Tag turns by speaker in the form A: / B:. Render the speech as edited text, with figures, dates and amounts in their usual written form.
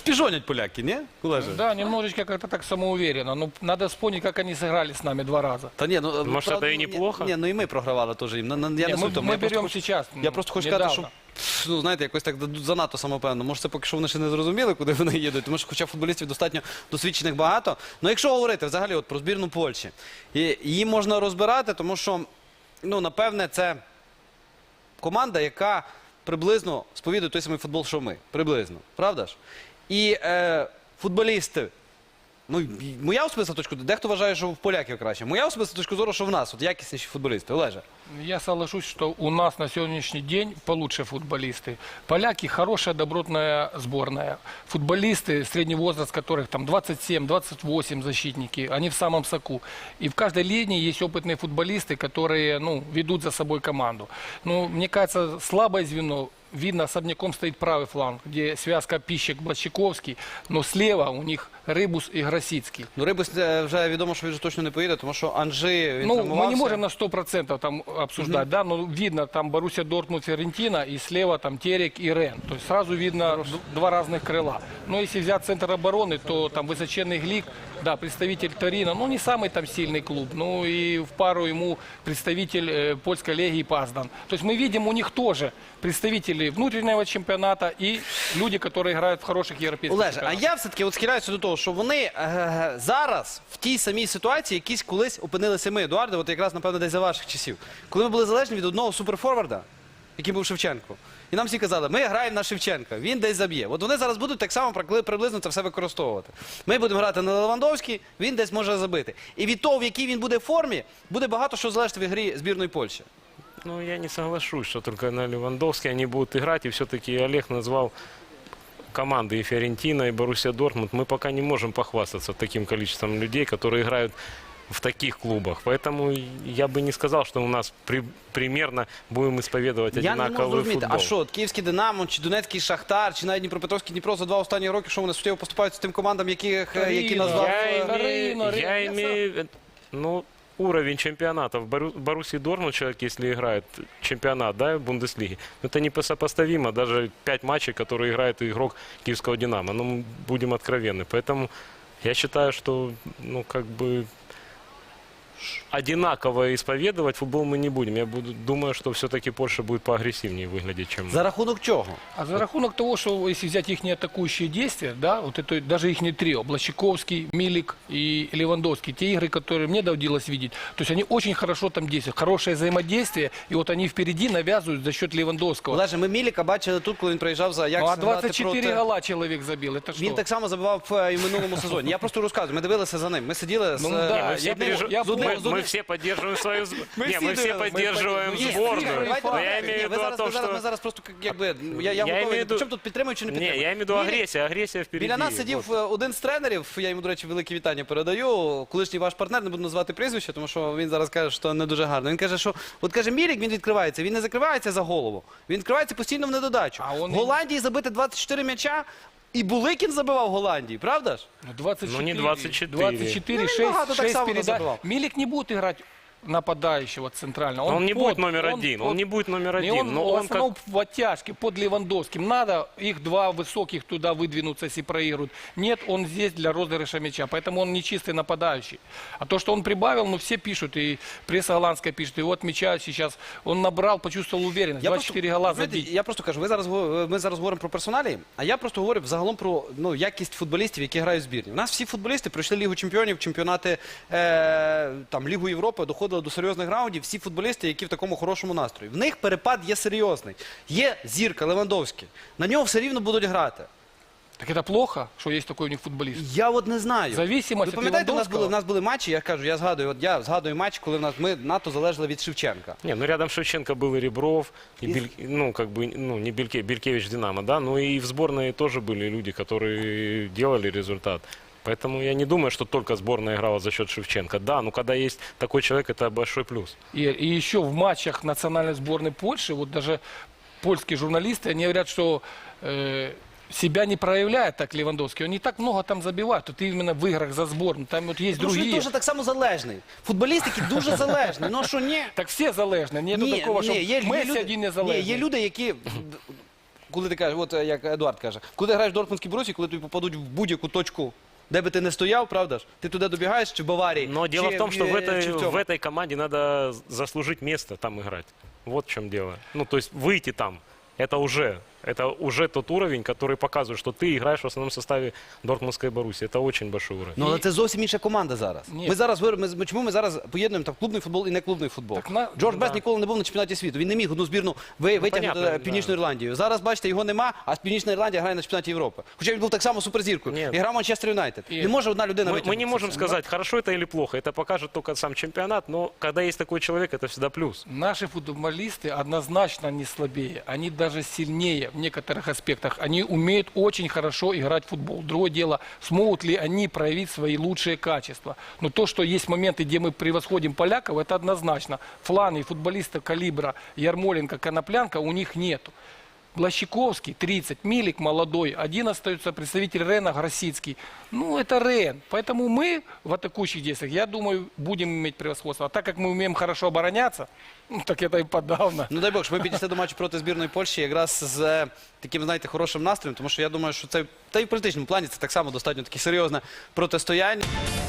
A: Пижонять поляки, не? Олеже?
B: Да, немножечко как-то так самоуверенно. Но надо вспомнить, как они сыграли с нами 2 раза.
A: Та ні, ну,
C: Может, это и неплохо?
A: Ні, ну і ми програвали теж їм. Я не суть в тому.
B: Мы
A: Я просто
B: берем
A: хочу-
B: сейчас.
A: Я просто хочу сказати, що ну, знаєте, якось так занадто самопевно. Може, це поки що вони ще не зрозуміли, куди вони їдуть, тому що хоча футболістів достатньо досвідчених багато. Ну, якщо говорити взагалі от про збірну Польщі, її можна розбирати, тому що, ну, напевне, це команда, яка приблизно сповідує той самий футбол, що ми. Приблизно. Правда ж? І футболісти, ну, моя особиста точка зору, дехто вважає, що в поляків краще. Моя особиста точка зору, що в нас от якісніші футболісти. Олеже.
B: Я соглашусь, что у нас на сегодняшний день получше футболисты. Поляки хорошая, добротная сборная. Футболисты, средний возраст которых там 27-28 защитники, они в самом соку. И в каждой линии есть опытные футболисты, которые, ну, ведут за собой команду. Ну, мне кажется, слабое звено. Видно, особняком стоит правый фланг, где связка Пищик-Блащиковский, но слева у них Рибус и Гросицкий.
A: Ну, Рибус вже відомо, що він вже точно не поїде, тому що Анжи, він
B: Ну,
A: травмувався.
B: мы не можем на 100% там обсуждать, да, но видно там Боруссия Дортмунд, Фиорентина, и слева там Терек и Рен. То есть сразу видно два разных крыла. Но если взять центр обороны, то там высоченный Глик, да, представитель Торино, ну, не самый там сильный клуб, ну, и в пару ему представитель польской легии Паздан. То есть мы видим у них тоже представители внутреннего чемпионата и люди, которые играют в хороших европейских
A: Олеже, а
B: чемпионатах.
A: я все-таки от схиляюся до того, що вони зараз в тій самій ситуації, якісь колись опинилися ми, Едуарде, от якраз, напевно, десь за ваших часів. Коли ми були залежні від одного суперфорварда, який був Шевченко. І нам всі казали, ми граємо на Шевченка, він десь заб'є. От вони зараз будуть так само приблизно це все використовувати. Ми будемо грати на Левандовський, він десь може забити. І від того, в якій він буде формі, буде багато що залежати в грі збірної Польщі.
C: Ну, я не соглашусь, что только на Левандовске они будут играть. И все-таки Олег назвал команды и Фиорентина, и Боруссия Дортмунд. Мы пока не можем похвастаться таким количеством людей, которые играют в таких клубах. Поэтому я бы не сказал, что у нас примерно будем исповедовать
A: Я не можу
C: одинаковый
A: зрозуміти,
C: футбол.
A: а що, от Київський Динамо, чи Донецький Шахтар, чи навіть Дніпропетровський Дніпро за 2 останні роки, що вони суттєво поступають з тим командам, які назвав...
C: Я имею, ну, уровень чемпионата. В Боруссии Дортмунд человек, если играет чемпионат, да, в Бундеслиге, это не сопоставимо. Даже 5 матчей, которые играет игрок Киевского Динамо. Ну, мы будем откровенны. Поэтому я считаю, что, ну, как бы одинаково исповедовать футбол мы не будем. Думаю, что все-таки Польша будет поагрессивнее выглядеть, чем мы.
A: За рахунок чого?
B: А за рахунок того, что если взять их атакующие действия, да, вот это даже их трио, Блащиковский, Милик и Левандовский, те игры, которые мне доводилось видеть, то есть они очень хорошо там действуют, хорошее взаимодействие, и вот они впереди навязывают за счет Левандовского.
A: Олеже, ми Міліка бачили тут, коли він приїжджав за
B: Ну,
A: Аякс
B: а
A: грати
B: 24
A: проти...
B: гола человек забил, это что?
A: Він так само забивав і в минулому сезоні. Я просто розказую, ми дивилися за ним. Ми сиділи з...
B: Ну, да,
C: Мы все, мы все поддерживаем свою сборную. Мы все поддерживаем сборную. Но я имею в виду о том, что...
A: Ми зараз просто, якби, я готовий, причому тут підтримую чи не
C: Не,
A: підтримую?
C: я имею в виду агрессия, агрессия впереди.
A: Біля нас сидів один з тренерів, я йому, до речі, велике вітання передаю, колишній ваш партнер, не буду назвати прізвище, тому що він зараз каже, що не дуже гарно. Він каже, що, от каже, Мілік, він відкривається, він не закривається за голову, він відкривається постійно в недодачу.
B: А
A: В
B: он-
A: Голландії забити 24 м'яча, і Буликін забивав в Голландії, правда ж?
B: Ну, 24,
C: Ну, не 24.
B: 24,
A: Ну,
B: 6,
A: немного, так
B: 6
A: само
B: передач.
A: забивал.
B: Милик не будет играть нападающего центрального.
C: Он не будет номер один, он не будет номер
B: Не,
C: один,
B: он,
C: но
B: в
C: он
B: основном в оттяжке под Левандовским. Надо их два высоких туда выдвинуться, если проиграют. Нет, он здесь для розыгрыша мяча, поэтому он не чистый нападающий. А то, что он прибавил, ну все пишут, и пресса голландская пишет, и вот мяча сейчас он набрал, почувствовал уверенность. 24 гола
A: знаєте,
B: забить.
A: я просто кажу, ми зараз говоримо про персоналі, а я просто говорю взагалом про якість футболістів, які грають в збірні. У нас всі футболісти пройшли Лігу чемпіонів, чемпіонати там, Лігу Європи, доходили до серйозних раундів, всі футболісти, які в такому хорошому настрої. В них перепад є серйозний. Є зірка Левандовський, на нього все рівно будуть грати.
B: Так это плохо, что есть такой у них футболист?
A: Я от не знаю.
B: Зависимость
A: Ви
B: от
A: пам'ятаєте,
B: Левандовського?
A: у нас були матчі, я кажу, я згадую матч, коли ми НАТО залежали від Шевченка.
C: Не, ну рядом Шевченко был и Ребров, и ну, как бы, ну, не Белькевич Динамо, да, но и в сборной тоже были люди, которые делали результат. Поэтому я не думаю, что только сборная играла за счет Шевченко. Да, но когда есть такой человек, это большой плюс.
B: И еще в матчах национальной сборной Польши, вот даже польские журналисты, они говорят, что себя не проявляет так Левандовский. Он не так много там забивает. Тут именно в играх за сборную. Там вот есть
A: Тому що він
B: другие.
A: дуже так само залежний. Футболіст, який дуже залежний. Ну що, ні?
B: Так все залежны. Нету такого, что Месси один не
A: Ні,
B: залежный.
A: є люди, які... коли ти кажеш, от як Едуард каже, коли ти граєш в Дортмундській Борусі, коли тобі попадуть в будь-яку точку, де би ти не стояв, правда ж? Ти туди добігаєш, чи в Баварії,
C: Но дело
A: чи
C: в том, что
A: чи в цьому?
C: в этой команде надо заслужить место там играть. Вот в чем дело. Ну, то есть выйти там, это уже тот уровень, который показывает, что ты играешь в основном составе Дортмундской Боруссии. Это очень большой уровень.
A: Ну, але це зовсім інша команда зараз.
B: Ні.
A: Ми зараз чому ми зараз поєднуємо там клубний футбол і не клубний футбол?
B: Так
A: Джордж Бест
B: да.
A: ніколи не був на чемпіонаті світу. Він не міг одну збірну витягнути
C: понятно,
A: Північну Ірландію. Зараз, бачите, його нема, а Північна Ірландія грає на чемпіонаті Європи. Хоча він був так само суперзіркою.
C: Ні.
A: І грав Манчестер Юнайтед.
B: І-
A: Не може одна людина
C: Мы
A: витягнути.
C: не можем
A: це.
C: сказать, хорошо это или плохо. Это покажет только сам чемпионат. Но когда есть такой человек, это всегда плюс.
B: Наши футболисты однозначно не слабее, они даже сильнее в некоторых аспектах. Они умеют очень хорошо играть в футбол. Другое дело, смогут ли они проявить свои лучшие качества. Но то, что есть моменты, где мы превосходим поляков, это однозначно. Фланги футболистов калибра Ярмоленко, Коноплянка у них нету. Блащиковский, 30, Милик молодой, один остается представитель Рена, Гросицкий. Ну, это Рен. Поэтому мы в атакующих действиях, я думаю, будем иметь превосходство. А так как мы умеем хорошо обороняться, ну, так это и подавно.
A: Ну дай Бог, щоб ми підійшли до матчу проти збірної Польщі якраз з таким, знаєте, хорошим настроєм, тому що я думаю, що це, та й в політичному плані це так само достатньо таке серйозне протистояння.